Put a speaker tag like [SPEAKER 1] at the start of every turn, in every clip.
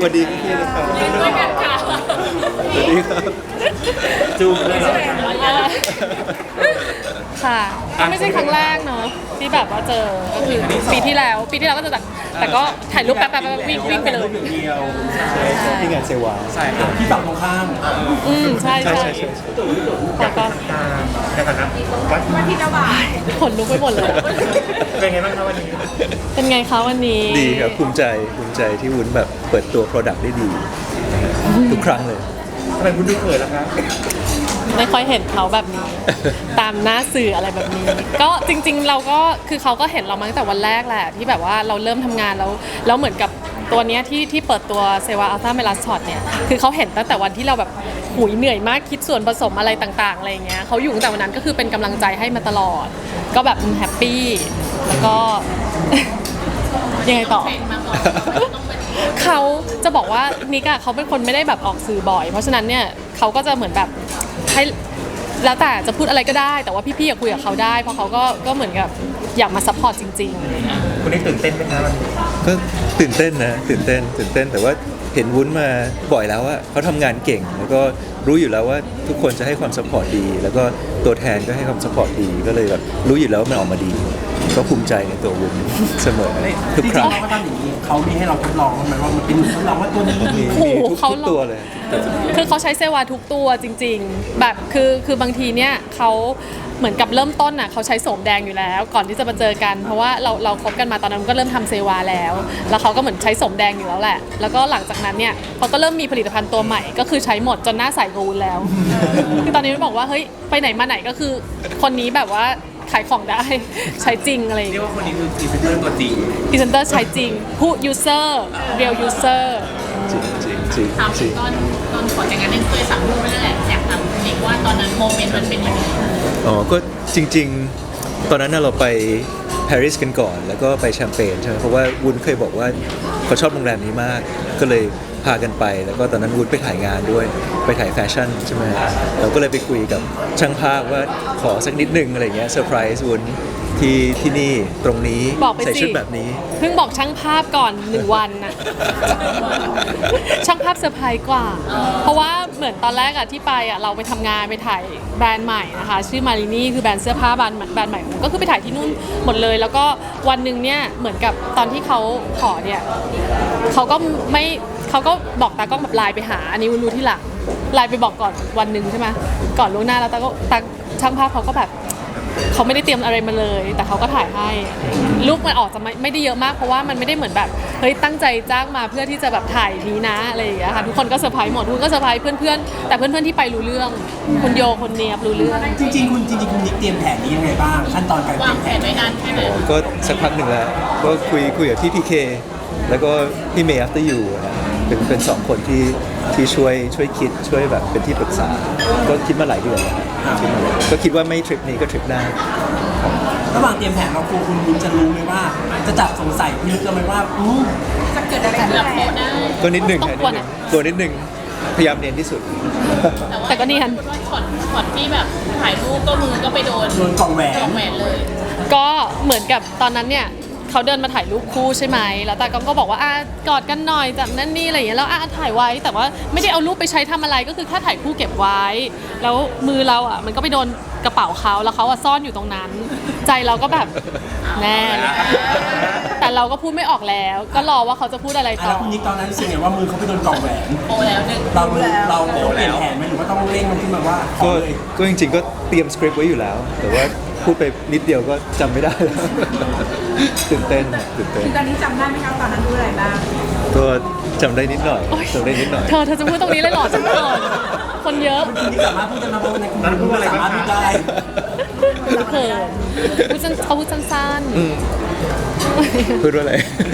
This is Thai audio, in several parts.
[SPEAKER 1] วัสดีพี่นะครับ
[SPEAKER 2] ยืนด้วยกันค่ะ
[SPEAKER 1] สวัสดีครับจูบเลยเหรอ
[SPEAKER 2] ค่ะก็ไม่ใช่ครั้งแรกเนาะที่แบบว่าเจอก็คือปีที่แล้วก็เจอแต่ก็ถ่ายรูปแป๊บๆวิ่งไปเลย
[SPEAKER 3] เดียว
[SPEAKER 1] ใช่ที่งานเซวา
[SPEAKER 3] ใช่ครับที่ฝั่งตรงข้าม
[SPEAKER 2] ใช่
[SPEAKER 1] ใช่
[SPEAKER 2] ใช่
[SPEAKER 1] ใช่ใช่
[SPEAKER 2] แต่ก็
[SPEAKER 3] ในฐานะว่าที่เจ้าบ่าว
[SPEAKER 2] ขนลุกไปหมดเลย
[SPEAKER 3] เป็นไงบ้างครับวันนี้
[SPEAKER 2] เป็นไงคะวันนี้
[SPEAKER 1] ดีครับภูมิใจที่วุ้นแบบเปิดตัว Product ได้ดีนะฮะทุกครั้งเลย
[SPEAKER 3] ทำไมคุณดูเขินล่ะครับ
[SPEAKER 2] ไม่ค่อยเห็นเขาแบบนี้ ตามหน้าสื่ออะไรแบบนี้ ก็จริงๆเราก็คือเขาก็เห็นเรามาตั้งแต่วันแรกแหละที่แบบว่าเราเริ่มทำงานแล้วเหมือนกับตัวเนี้ยที่เปิดตัวเซวาอัลต้าเมลาสช็อตเนี่ยคือเขาเห็นตั้งแต่วันที่เราแบบหุยเหนื่อยมากคิดส่วนผสมอะไรต่างๆอะไรเงี้ยเขาอยู่ตั้งแต่วันนั้นก็คือเป็นกำลังใจให้มาตลอด ก็แบบแฮปปี้แล้วก็ ยังไงต่อ เขาจะบอกว่านิกอะเขาเป็นคนไม่ได้แบบออกสื่อบ่อย เพราะฉะนั้นเนี่ยเขาก็จะเหมือนแบบให้แล้วแต่จะพูดอะไรก็ได้ แต่ว่าพี่ๆอยากคุยกับเขาได้ เพราะเขาก็เหมือนกับอยากมาซัพพอร์ตจริง
[SPEAKER 3] คุณได้ตื่นเต้นไหมครับวันนี้
[SPEAKER 1] ก็ตื่นเต้นนะตื่นเต้นแต่ว่าเห็นวุ้นมาบ่อยแล้วว่าเขาทำงานเก่ง แล้วก็รู้อยู่แล้วว่าทุกคนจะให้ความสปอร์ตดี แล้วก็ตัวแทนก็ให้ความสปอร์ตดีก็เลยแบบรู้อยู่แล้วว่ามันออกมาดี ก็ภูมิใจในตัววุ้นเสมอทุก
[SPEAKER 3] จริง
[SPEAKER 1] ครั้ง
[SPEAKER 3] ๆเราก็ทำอย่างนี้เขามีให้เราทดลองไหมว่ามันเป็นทดลองว่าตัวนี้
[SPEAKER 1] มีทุกตัวเลย
[SPEAKER 2] ๆ คือเขาใช้เซวาทุกตัวจริง ๆ แบบคือบางทีเนี่ยเขาเหมือนกับเริ่มต้นน่ะเขาใช้โสมแดงอยู่แล้ว ก่อนที่จะมาเจอกัน เพราะว่าเราคบกันมาตอนนั้นก็เริ่มทำเซวาแล้วเขาก็เหมือนใช้โสมแดงอยู่แล้วแหละ แล้วก็หลังจากนั้นเนี่ยเขาก็เริ่มมีผลิตภัณฑ์ตัวใหม่ก็คือใช้หมดจนหน้าใสกูนแล้ว คือตอนนี้มันบอกว่าเฮ้ยไปไหนมาไหนก็คือคนนี้แบบว่าขายของได้ ใช้จริงอะไรอย่าง
[SPEAKER 3] เรีย
[SPEAKER 2] เงี้ย
[SPEAKER 3] กว่าคนนี้คือพรีเซนเตอร์ตัวจริง
[SPEAKER 2] พรีเซนเตอร์ใช้จริงผู้ user real user
[SPEAKER 1] จริง
[SPEAKER 4] ถามถึงตอนก่อนแต่งงานเนี่ยเคยสั่งลูกนั่นแหละอยากถามเด็กว่าตอนนั้นโมเมนต์มันเป็นยังไง
[SPEAKER 1] อ๋อก็จริงๆ ตอนนั้นน่ะเราไปปารีสกันก่อน แล้วก็ไปแชมเปญใช่ไหมเพราะว่าวุ้นเคยบอกว่าเขาชอบโรงแรมนี้มาก ก็เลยพากันไป แล้วก็ตอนนั้นวุ้นไปถ่ายงานด้วยไปถ่ายแฟชั่นใช่ไหมเราก็เลยไปคุยกับช่างภาพว่าขอสักนิดนึงอะไรเงี้ยเซอร์ไพรส์วุ้นที่นี่ตรงนี้
[SPEAKER 2] บอกไปสิ
[SPEAKER 1] ใส่ชุดแบบนี้
[SPEAKER 2] เพิ่งบอกช่างภาพก่อน1 วันน่ะ ช่างภาพเซอร์ไพรส์กว่า เพราะว่าเหมือนตอนแรกอะที่ไปอะเราไปทำงานไปถ่ายแบรนด์ใหม่นะคะ ชื่อมารินี่คือแบรนด์เสื้อผ้าแบรนด์ใหม่ก็คือไปถ่ายที่นู่นหมดเลย แล้วก็วันหนึ่งเนี่ยเหมือนกับตอนที่เขาขอเนี่ยเขาก็บอกตากล้องแบบไลน์ไปหา อันนี้วุ้นรู้ที่หลังไลน์ไปบอกก่อนวันหนึ่งใช่ไหมก่อนล่วงหน้าแล้วตาช่างภาพเขาก็แบบ เขาไม่ได้เตรียมอะไรมาเลย แต่เขาก็ถ่ายให้ลูกมันออกจะไม่ได้เยอะมากเพราะว่ามันไม่ได้เหมือนแบบเฮ้ยตั้งใจจ้างมาเพื่อที่จะแบบถ่ายนี้นะอะไรอย่างเงี้ยค่ะทุกคนก็เซอร์ไพรส์หมดทุกคนก็เซอร์ไพรส์เพื่อนๆแต่เพื่อนๆที่ไปรู้เรื่องคุณโยคนเนียบรู้เรื่อง
[SPEAKER 3] จริงๆคุณนิกเตรียมแผนนี้ยังไงบ้างขั้นตอนการเต
[SPEAKER 4] วา
[SPEAKER 3] รี
[SPEAKER 4] ง
[SPEAKER 3] ยม
[SPEAKER 4] แผ
[SPEAKER 3] แผ
[SPEAKER 4] น
[SPEAKER 3] น
[SPEAKER 4] ไว้นานแค่ไหน
[SPEAKER 1] ก็สักพักหนึ่งแล้วก็คุยกับพี่พีเคแล้วก็พี่เมย์ after you นะเป็นสองคนที่ช่วยคิดช่วยแบบเป็นที่ปรึกษา ก็คิดมาหลายเดือนแล้วครับคิดมาหลายเดือนก็คิดว่าไม่ทริปนี้ก็ทริปหน้า
[SPEAKER 3] ระหว่างเตรียมแผนเราคุณจะรู้ไหมว่า จะจับสงสัยพิลึกเราไหมว่า
[SPEAKER 4] จะเกิดอะไรขึ้นกับเขาได้
[SPEAKER 1] ก็นิดหนึ่ง
[SPEAKER 2] ต้อง
[SPEAKER 1] ค่ะ
[SPEAKER 2] กลัว
[SPEAKER 1] นิดห
[SPEAKER 2] นะ
[SPEAKER 1] นึ่งตัวนิดหนึ่งพยายามเนียนที่สุด
[SPEAKER 2] แต่ก็เนียน
[SPEAKER 4] ว่าช็อตที่แบบถ่ายรูปก็มือก็ไปโดน
[SPEAKER 3] โดนกล่องแหวน
[SPEAKER 4] กล่องแหวนเลย
[SPEAKER 2] ก็เหมือนกับตอนนั้นเนี่ยเขาเดินมาถ่ายรูปคู่ใช่ไหมแล้วตากล้องก็บอกว่าอ่ะกอดกันหน่อยจับนั่นนี่อะไรอย่างเงี้ยแล้วอ่ะถ่ายไว้แต่ว่าไม่ได้เอารูปไปใช้ทำอะไรก็คือแค่ถ่ายคู่เก็บไว้ แล้วมือเราอ่ะมันก็ไปโดนกระเป๋าเขาแล้วเขาอ่ะซ่อนอยู่ตรงนั้น ใจเราก็แบบแน่แต่เราก็พูดไม่ออกแล้ว ก็รอว่าเขาจะพูดอะไรต่
[SPEAKER 3] แล้
[SPEAKER 2] อ
[SPEAKER 3] วคุณนิกตอนนั้นรู้สึกไงว่ามือเขาไปโดนกล่องแหวน
[SPEAKER 4] โอแล้วหนึ่ง
[SPEAKER 3] เราเปลี่ยนแผนไหมหรือว่าต้องเร่งมันขึ้นมาว่าขอ
[SPEAKER 1] ก็
[SPEAKER 3] เลย
[SPEAKER 1] ก็จริงๆก็เตรียมสคริปต์ไว้อยู่แล้ว แต่ว่าพูดไปนิดเดียวก็จำไม่ได้แล้ว ตื่นเต้น
[SPEAKER 5] ตอนนี้จำได้ไหมครับตอนนั้นรู้อะไรบ้าง
[SPEAKER 1] ก็จำได้นิดหน่อยจำได้นิดหน่อย
[SPEAKER 2] เธอจะพูดตรงนี้เลยเหรอจังก่อนคนเยอะ
[SPEAKER 3] คุณนิกสามารถพูดได้ไหมเพราะว่าในคุณนิกสามารถพูดได้
[SPEAKER 2] เขินเขาพูดสั้น
[SPEAKER 1] พูดว่าอะไร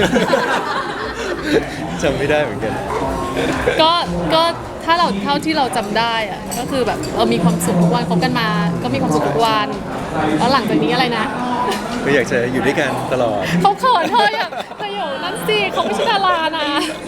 [SPEAKER 1] จำไม่ได้เหมือนกัน
[SPEAKER 2] ๆก็ถ้าเราเท่าที่เราจำได้อะก็คือแบบเรามีความสุขทุกวันคบกันมา ก็มีความสุขทุกวันแล้วหลังจากนี้อะไรนะ
[SPEAKER 1] ก็อยากจะอยู่ด้วยกันตลอด
[SPEAKER 2] เขาเขินเธออยากเธออยู่นั่นสิเขาไม่ใช่ดารานะ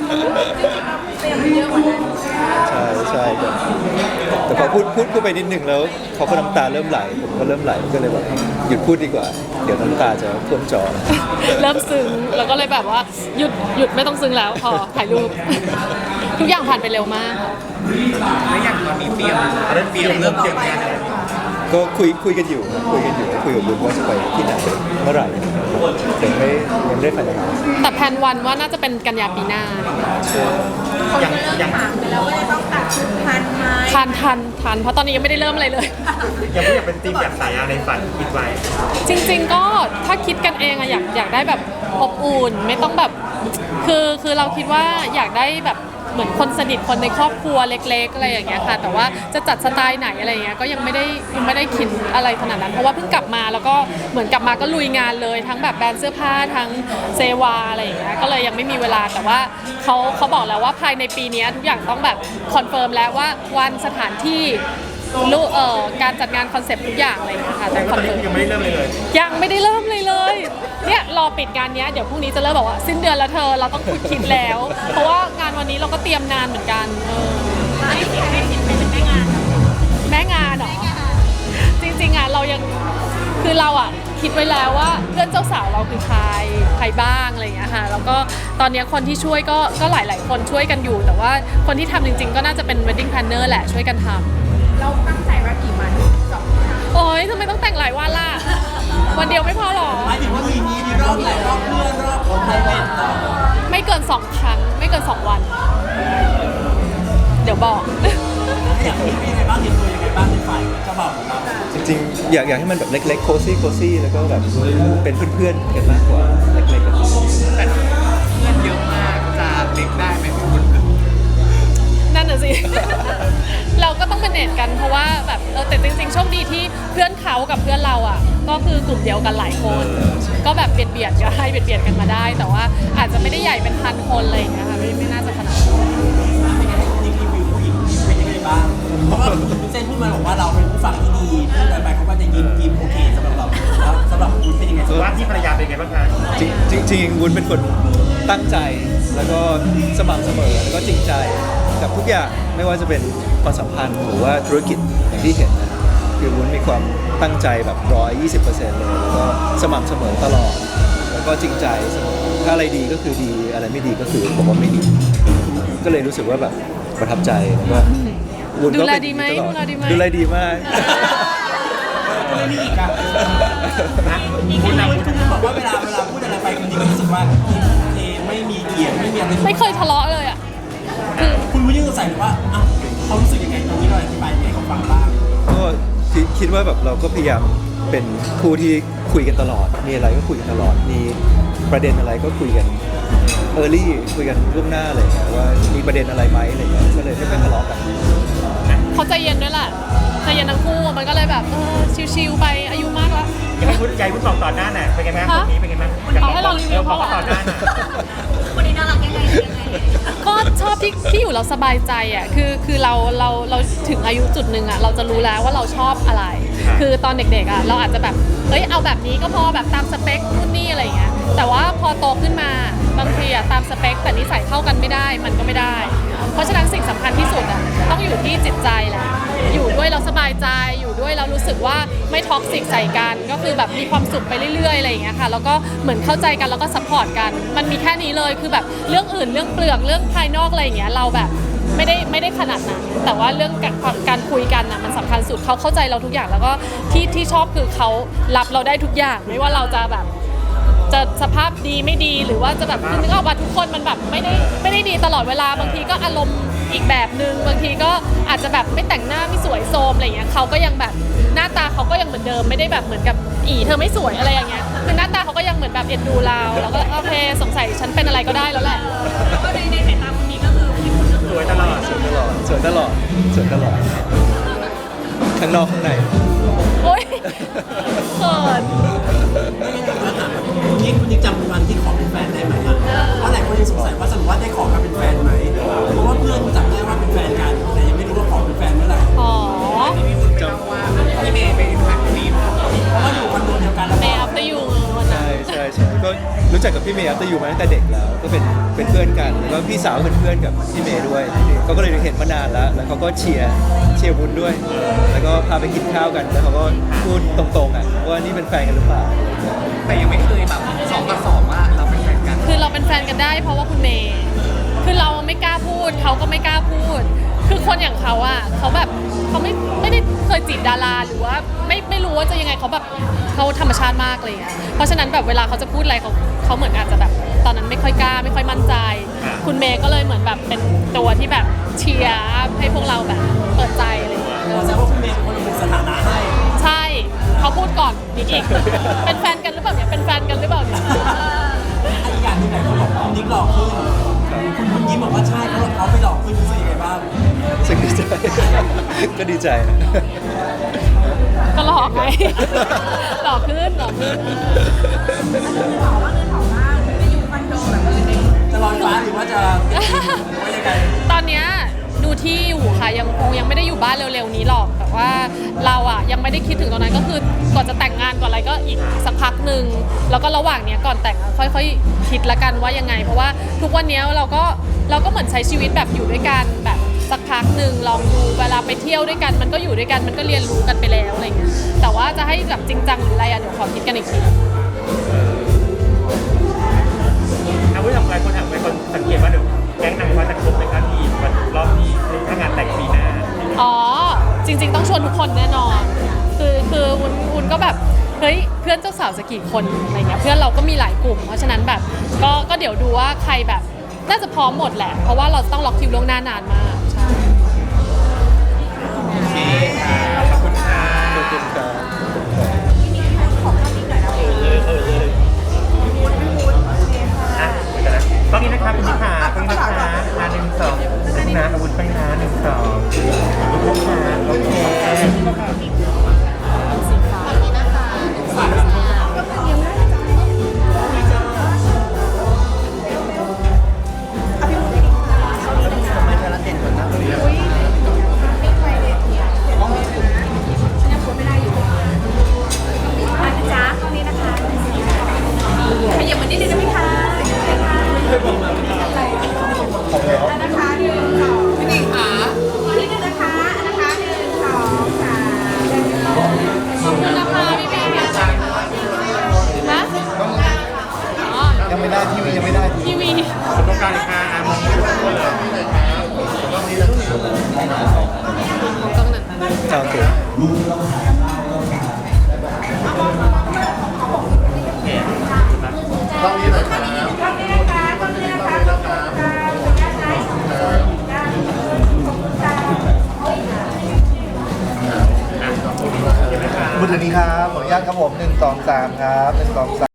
[SPEAKER 1] ใช่ใช่แต่พอพูดไปนิดนึงแล้วเขาก็น้ำตาเริ่มไหลผมก็เริ่มไหลก็เลยแบบหยุดพูดดีกว่า เดี๋ยวน้ำตาจะท่วมจอ
[SPEAKER 2] เริ่มซึ้งแล้วก็เลยแบบว่าหยุดไม่ต้องซึ้งแล้วพอถ่ายรูป ทุกอย่างผ่านไปเร็วมาก
[SPEAKER 6] แล้วอย่างตอนนี้เตรียมเริ่มเตรียมงานอะไร
[SPEAKER 1] ก็คุยกันอยู่ครับคุยกับลุงว่าจะไปที่ไหนเมื่อไหร่แต่ยังไม่ได้ไฟนอล
[SPEAKER 2] แต่แพลนวันว่าน่าจะเป็นกันยาปีหน้า
[SPEAKER 5] คนก็เริ่มถามไปแล้วว่าจะต้องตัดชุดทันไหม
[SPEAKER 2] ทันเพราะตอนนี้ยังไม่ได้เริ่มอะไรเลย
[SPEAKER 6] ยังไม่อยากเป็นทีมแบบสายในฝันคิดไว้
[SPEAKER 2] จริงๆก็ถ้าคิดกันเองอะอยากได้แบบอบอุ่นไม่ต้องแบบคือเราคิดว่าอยากได้แบบเหมือนคนสนิทคนในครอบครัวเล็กๆอะไรอย่างเงี้ยค่ะแต่ว่าจะจัดสไตล์ไหนอะไรอย่างเงี้ยก็ยังไม่ได้คิดอะไรขนาดนั้นเพราะว่าเพิ่งกลับมาแล้วก็เหมือนกลับมาก็ลุยงานเลยทั้งแบบแบรนด์เสื้อผ้าทั้งเซวาอะไรอย่างเงี้ยก็เลยยังไม่มีเวลาแต่ว่าเขาบอกแล้วว่าภายในปีนี้ทุกอย่างต้องแบบคอนเฟิร์มแล้วว่าวันสถานที่การจัดงานคอนเซปต์ทุกอย่างอะไรอย่างเงี้ยค่ะแต่คอนเฟิร์ม
[SPEAKER 6] ยังไม่ได้เริ่มเลย
[SPEAKER 2] ยังไม่ได้เริ่มเลยเนี่ยรอปิดงานเนี้ยเดี๋ยวพรุ่งนี้จะเริ่มบอกว่าสิ้นเดือนแล้วเธอเราต้องคิดแล้ว เพราะว่างานวันนี้เราก็เตรียมนานเหมือนกัน
[SPEAKER 4] ให้สิทธิ์ไปเป็นแม่งาน
[SPEAKER 2] แม่งานเหรอจริงๆอ่ะเรายังคือเราอ่ะคิดไว้แล้วว่าเพื่อนเจ้าสาวเราคือใครบ้างอะไรอย่างเงี้ยค่ะแล้วก็ตอนเนี้ยคนที่ช่วยก็หลายๆคนช่วยกันอยู่ แต่ว่าคนที่ทำจริงๆ ก็น่าจะเป็น wedding planner แหละช่วยกันทำ
[SPEAKER 5] เราตั้งใจว่ากี่วันสองครั้ง
[SPEAKER 2] โอ๊ยทำไมต้องแต่งหลายวันล่ะ วันเดียวไม่พอหรอ
[SPEAKER 3] หมายถึงว่ามีรอบไหนรอบเพื่อนรอบของไพรเวทต่อ
[SPEAKER 2] ไม่เกิน 2 ครั้งไม่เกิน 2 วัน เดี๋ยวบอก
[SPEAKER 3] อย่างนี้เป็นยังไงบ้างเตรียมตัวยังไงบ้างในฝ่ายเจ้าบ่าวของเรา
[SPEAKER 1] จริงๆอยากให้มันแบบเล็กๆโคซี่แล้วก็แบบเป็นเพื่อนๆกันมากกว่าเล็กๆกัน
[SPEAKER 6] แต่เงินเยอะมากจะเล็กได้ไหมพี่คุณ
[SPEAKER 2] นั่นน่ะสิ เราก็ต้องเป็นเนตกันเพราะว่าแบบแต่จริงๆโชคดีที่เพื่อนเขากับเพื่อนเราอ่ะ ก็คือกลุ่มเดียวกันหลายคน ก็แบบเบียดกันให้เบียดกันมาได้ แต่ว่าอาจจะไม่ได้ใหญ่เป็น1,000 คนอะไรอย่างเงี้ยค่ะไม่น่าจะขนาดนั้น
[SPEAKER 3] นี่รีวิวผู้หญิงเป็นยังไงบ้างเพราะว่าคุณเซนพูดมาบอกว่าเราเป็นผู้ฟังที่ดีพูดไปเขาก็จะยิ้มโอเคสำหรับเราแล้วสำหรับคุณเป็นยังไง
[SPEAKER 6] ว่าที่ภรรยาเป็นไงบ้างคะ
[SPEAKER 1] จริงวุ้นเป็นคนตั้งใจแล้วก็สม่ำเสมอแล้วก็จริงใจกับทุกอย่างไม่ว่าจะเป็นความสัมพันธ์หรือว่าธุรกิจอย่างที่เห็นนะคือวุ้นมีความตั้งใจแบบ120%เลยแล้วก็สม่ำเสมอตลอดแล้วก็จริงใจเสมอถ้าอะไรดีก็คือดีอะไรไม่ดีก็คือบอกว่าไม่ดี ก็เลยรู้สึกว่าแบบประทับใจแล้วก็วุ้นก็เป็นอย่างนี้ตลอดดูแลดีมาก
[SPEAKER 3] ไม่มีอีกอ่ะคุณบอกว่าเวลาพูดอะไรไปคนนี้ก็รู้สึกว่าโอเคไม่มีเกียรติไม่มีอะไร
[SPEAKER 2] ไม่เคยทะเลาะเลยอ่ะ
[SPEAKER 3] คุณรู้ยังสงสัยว่าอ้าวเขารู้สึกยังไงตรงนี้เราอธิบายให้เขาฟังบ้าง
[SPEAKER 1] ก็คิดว่าแบบเราก็พยายามเป็นคู่ที่คุยกันตลอด มีอะไรก็คุยกันตลอด มีประเด็นอะไรก็คุยกันคุยกันล่วงหน้าอะไรอย่างเงี้ยว่ามีประเด็นอะไรไหมอะไรอย่างเงี้ยก็เลยไม่ค่อยทะเลาะกัน
[SPEAKER 2] เขาใจเย็นด้วยแหละใจเย็นทั้งคู่มันก็เลยแบบชิวๆไปอายุมากแล้ว
[SPEAKER 6] อยากให้คุณบอกต่อหน้าน่ะเป็นไงบ้างคนนี้เป็นไงบ้าง
[SPEAKER 2] เอาให้เรารีวิว
[SPEAKER 6] บอกต่อหน้าน่ะ
[SPEAKER 4] คนนี้น่ารักยังไง
[SPEAKER 2] ก็ชอบที่อยู่เราสบายใจอ่ะคือเราถึงอายุจุดหนึ่งอ่ะเราจะรู้แล้วว่าเราชอบอะไร คือตอนเด็กๆอ่ะเราอาจจะแบบเอาแบบนี้ก็พอแบบตามสเปคนู่นนี่อะไรอย่างเงี้ยแต่ว่าพอโตขึ้นมาบางทีอ่ะตามสเปคแต่นิสัยเข้ากันไม่ได้มันก็ไม่ได้ เพราะฉะนั้นสิ่งสำคัญที่สุดอ่ะต้องอยู่ที่จิตใจแหละอยู่ด้วยเราสบายใจอยู่ด้วยเรารู้สึกว่าไม่ท็อกซิกใส่กันก็คือแบบมีความสุขไปเรื่อยๆอะไรอย่างเงี้ยค่ะแล้วก็เหมือนเข้าใจกันแล้วก็ซัพพอร์ตกันมันมีแค่นี้เลยคือแบบเรื่องอื่นเรื่องเปลือกเรื่องภายนอกอะไรอย่างเงี้ยเราแบบไม่ได้ขนาดนั้นแต่ว่าเรื่องการคุยกันน่ะมันสำคัญสุดเขาเข้าใจเราทุกอย่างแล้วก็ที่ชอบคือเขารับเราได้ทุกอย่างไม่ว่าเราจะแบบจะสภาพดีไม่ดีหรือว่าจะแบบคือนึกออกว่าทุกคนมันแบบไม่ได้ดีตลอดเวลาบางทีก็อารมณ์อีกแบบนึงบางทีก็อาจจะแบบไม่แต่งหน้าไม่สวยโซมอะไรอย่างเงี้ยเขาก็ยังแบบหน้าตาเขาก็ยังเหมือนเดิมไม่ได้แบบเหมือนกับเธอไม่สวยอะไรอย่างเงี้ยคือหน้าตาเขาก็ยังเหมือนแบบเอ็นดูเราแล้วก็โอเคสงสัยฉันเป็นอะไรก็ได้แล้วแหละ
[SPEAKER 4] แล้วก็ในสายตาคนนี้ก็คือพี่คุณก็คือ
[SPEAKER 6] สวยตลอด
[SPEAKER 1] สวยตลอดข้างนอกข้างใน
[SPEAKER 2] โอ๊ยเขิน
[SPEAKER 3] คุณยิ่งจำวันที่ขอเป็นแฟนได้ไหมอ่ะเพราะหลายคนยังสงสัยว่าสรุปว่าได้ขอกันเป็นแฟนไหมเพราะว่าเพื่อนจำได้ว่าเป็นแฟนกันแต่ยังไม่รู้ว่าขอเป็นแฟนเมื่อไหร่
[SPEAKER 2] อ๋อ
[SPEAKER 6] พี่เมย์ไปถ่ายคลิป
[SPEAKER 3] เพราะว่าอยู่คอนโดเดียวกันแล้ว
[SPEAKER 2] เม
[SPEAKER 3] ก็
[SPEAKER 2] ย์อัพเตอร์ยู
[SPEAKER 1] รู้จักกับพี่เมย์อัตอยู่มาตั้งแต่เด็กแล้วก็เป็นเพื่อนกันแล้วก็พี่สาวเป็นเพื่อนกับพี่เมย์ด้วยเขาก็เลยเห็นมานานแล้วเขาก็เชียร์วุ้นด้วย แล้วก็พาไปกินข้าวกันแล้วเขาก็พูดตรงๆอ่ะว่านี่เป็นแฟนกันหรือเปล่า
[SPEAKER 6] แต่ยังไม่เคยแบบ2 ต่อ 2ว่าเราเป็นแฟนกัน
[SPEAKER 2] คือเราเป็นแฟนกันได้เพราะว่าคุณเมย์คือเราไม่กล้าพูดเขาก็ไม่กล้าพูด คือคนอย่างเขาอ่ะเขาแบบเขาไม่ได้เคยจีบดาราหรือว่าไม่รู้ว่าจะยังไงเขาแบบเขาธรรมชาติมากเลยอ่ะเพราะฉะนั้นแบบเวลาเขาจะพูดอะไรเขาเหมือนอาจจะแบบตอนนั้นไม่ค่อยกล้าไม่ค่อยมั่นใจ คุณเมย์ก็เลยเหมือนแบบเป็นตัวที่แบบเชียร์ให้พวกเราแบบเปิดใจอะไรอย่างเงี้ย
[SPEAKER 3] เราจะว่าคุณเมย์เป็นคนระบุสถานะให้
[SPEAKER 2] ใช่เขาพูดก่อนนิกอีกเป็นแฟนกันหรือเปล่าเนี่ยเป็นแฟนกันหรือเปล่าเนี่ย
[SPEAKER 3] อีกอย่างหนึงไหนคนบอกคุณนิกหลอกขึ้นคุณยิ้มบอกว่าใช่เขาไปหลอกขึ้นรู้สึกยังไงบ้าง
[SPEAKER 1] รู้สึกดีใจ ก็ดีใจนะ
[SPEAKER 2] ก็หลอกไง หลอกขึ้นหลอกขึ้น
[SPEAKER 3] จะลอยฟ้าหรือว่าจะว่ายังไง
[SPEAKER 2] ตอนเนี้ยดูที่อยู่ค่ะยังไม่ได้อยู่บ้านเร็วๆนี้หรอกแต่ว่าเราอ่ะยังไม่ได้คิดถึงตอนนั้นก็คือก่อนจะแต่งงานก่อนอะไรก็อีกสักพักหนึ่งแล้วก็ระหว่างเนี้ยก่อนแต่งอะค่อยๆคิดละกันว่ายังไง เพราะว่าทุกวันเนี้ยเราก็เหมือนใช้ชีวิตแบบอยู่ด้วยกันแบบสักพักหนึ่งลองดูเวลาไปเที่ยวด้วยกันมันก็อยู่ด้วยกันมันก็เรียนรู้กันไปแล้วอะไรเงี้ยแต่ว่าจะให้แบบจริงจังหรืออะไรอ่ะเดี๋ยวขอคิดกันอีกที
[SPEAKER 7] เอาผู้ทำงานคนสังเกตว่าเดี๋ยวแก๊งนางฟ้าจะครบในครั้งที่วันรอบนี้ถ้างานแต่งปีหน้า
[SPEAKER 2] อ๋อจริงๆต้องชวนทุกคนแน่นอน คือวุ้นก็แบบเฮ้ยเพื่อนเจ้าสาวจะกี่คนอะไรเงี้ยเพื่อนเราก็มีหลายกลุ่ม เพราะฉะนั้นแบบก็เดี๋ยวดูว่าใครแบบน่าจะพร้อมหมดแหละ เพราะว่าเราต้องล็อกคิวล่วงหน้านานมากใช่
[SPEAKER 7] โอเคค่ะขอบคุณค่ะ
[SPEAKER 1] ขอบคุณครับ
[SPEAKER 7] อ่ะเดี๋ยวนะตอนนี้นะคะคุณพิธาคุณพิธา1 2นะอาวุธไปนะ1 2ลูกค้าโอเค
[SPEAKER 2] ยังไม่ได้ทีวี
[SPEAKER 7] ตรงกลางค่ะมองไม่รู้เลย
[SPEAKER 2] ของกล้องนั้น
[SPEAKER 1] โอเค
[SPEAKER 8] ต้องนี้หน่อยครับมือถือนี้ครับ ขออนุญาตครับผม1 2 3ครับ1 2 3